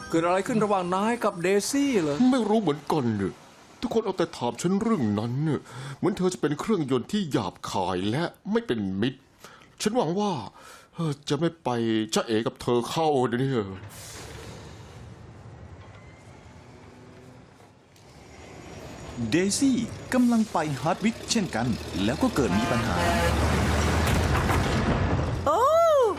เกิดอะไรขึ้นระหว่างนายกับเดซี่เหรอไม่รู้เหมือนกันเนี่ยทุกคนเอาแต่ถามฉันเรื่องนั้นเนี่ยเหมือนเธอจะเป็นเครื่องยนต์ที่หยาบคายและไม่เป็นมิตร ฉันหวังว่าจะไม่ไปจ้าเอ๋กับเธอเข้าเนี่ยเดซี่กำลังไปฮาร์ดวิกเช่นกัน แล้วก็เกิดมีปัญหาโอ้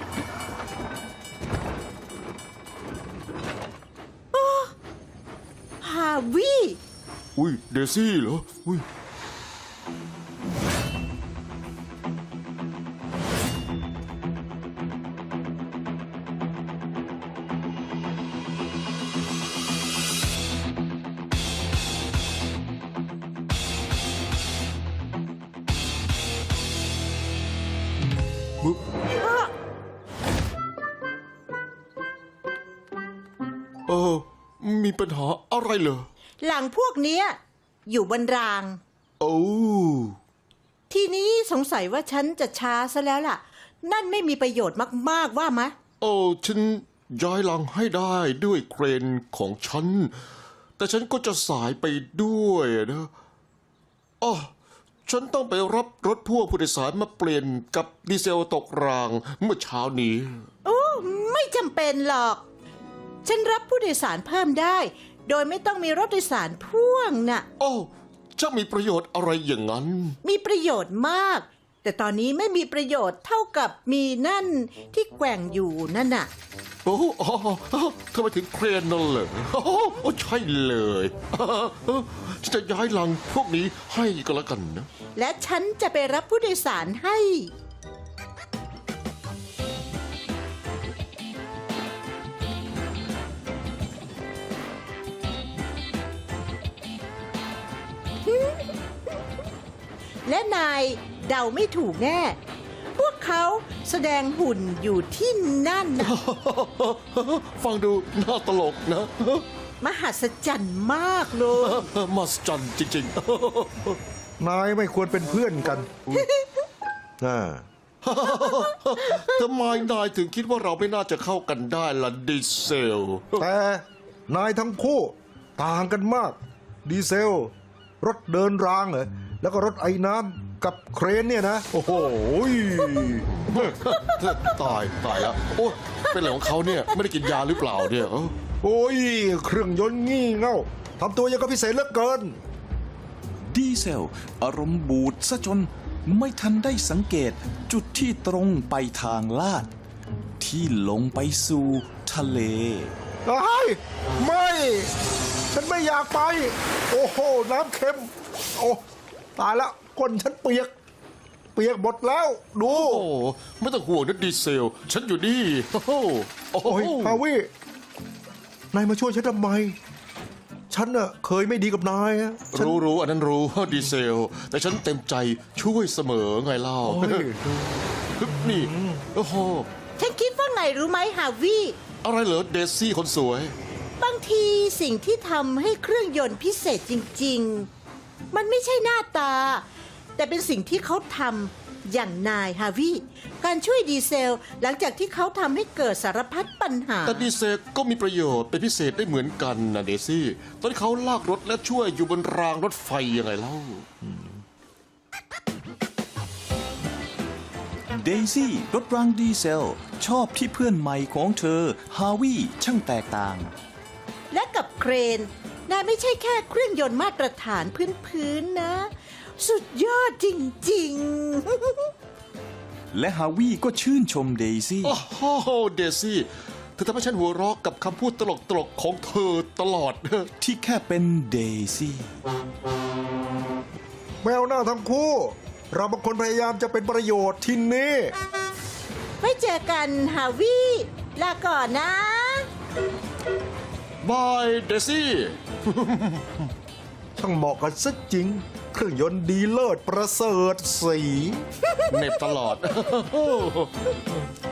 ฮาวิอุ้ยเดซี่เหรออุ้ยมีปัญหาอะไรเหรอหลังพวกเนี้ยอยู่บนรางโอ้ทีนี้สงสัยว่าฉันจะช้าซะแล้วล่ะ นั่นไม่มีประโยชน์มากๆว่าไหมโอ้ฉันย้ายหลังให้ได้ด้วยเครนของฉัน แต่ฉันก็จะสายไปด้วยนะอ๋อฉันต้องไปรับรถพ่วงผู้โดยสารมาเปลี่ยนกับดีเซลตกรางเมื่อเช้านี้โอ้ไม่จำเป็นหรอก ฉันรับผู้โดยสารเพิ่มได้ โดยไม่ต้องมีรถโดยสารพ่วงน่ะโอ้จะมีประโยชน์อะไรอย่างนั้นมีประโยชน์มาก แต่ตอนนี้ไม่มีประโยชน์เท่ากับมีนั่นที่แกว่งอยู่นั่นน่ะโอ้ทำไมถึงเครนนั่นเหรอโอ้ใช่เลยฉันจะย้ายหลังพวกนี้ให้ก็แล้วกันนะและฉันจะไปรับผู้โดยสารให้ และนายเดาไม่ถูกแน่ พวกเขาแสดงหุ่นอยู่ที่นั่นนะฟังดูน่าตลกนะมหัศจรรย์มากเลยมหัศจรรย์จริงนายไม่ควรเป็นเพื่อนกันน่าๆ ทำไมนายถึงคิดว่าเราไม่น่าจะเข้ากันได้ล่ะดีเซลแต่นายทั้งคู่ต่างกันมาก ดีเซล รถเดินรางเหรอแล้วก็รถไอ้น้ำกับเครนเนี่ยนะ โอ้โหตายแล้วโอ้เป็นอะไรของเขาเนี่ยไม่ได้กินยาหรือเปล่าเนี่ยโอ้ย เครื่องยนต์งี่เง่าทำตัวยังก็พิเศษเหลือเกินดีเซลอารมณ์บูดซะจนไม่ทันได้สังเกตจุดที่ตรงไปทางลาด ที่ลงไปสู่ทะเลไม่ ฉันไม่อยากไป โอ้โห น้ำเค็ม โอ้ตายแล้วก้นฉันเปียกหมดแล้ว ดูโอ้ไม่ต้องห่วงนะดีเซล ฉันอยู่นี่โอ้โหโอ้ยฮาวินายมาช่วยฉันทำไม ฉันน่ะเคยไม่ดีกับนายอะฉันรู้อันนั้นรู้ดีเซล แต่ฉันเต็มใจช่วยเสมอไงเล่าโอ้ยนี่โอ้โหฉันคิดว่าไงรู้ไหมฮาวิอะไรเหรอเดซี่คนสวยบางทีสิ่งที่ทำให้เครื่องยนต์พิเศษจริงๆ มันไม่ใช่หน้าตา แต่เป็นสิ่งที่เขาทำอย่างนายฮาวิการช่วยดีเซลหลังจากที่เขาทำให้เกิดสารพัดปัญหาแต่ดีเซลก็มีประโยชน์เป็นพิเศษได้เหมือนกันนะเดซี่ ตอนที่เขาลากรถและช่วยอยู่บนรางรถไฟยังไงเล่าเดซี่รถรางดีเซล ชอบที่เพื่อนใหม่ของเธอฮาวิช่างแตกต่างและกับเครนนายไม่ใช่แค่เครื่องยนต์มาตรฐานพื้นๆนะ สุดยอดจริงๆและฮาวิก็ชื่นชมเดซี่โอ้โหเดซี่เธอทำให้ฉันหัวเราะกับคำพูดตลกๆของเธอตลอดที่แค่เป็นเดซี่แมวหน้าทั้งคู่ เราบางคนพยายามจะเป็นประโยชน์ที่นี่ไว้เจอกันฮาวิลาก่อนนะบายเดซี่ช่างเหมาะกันซะจริง เครื่องยนต์ดีเลิศประเสริฐสีเหน็บตลอด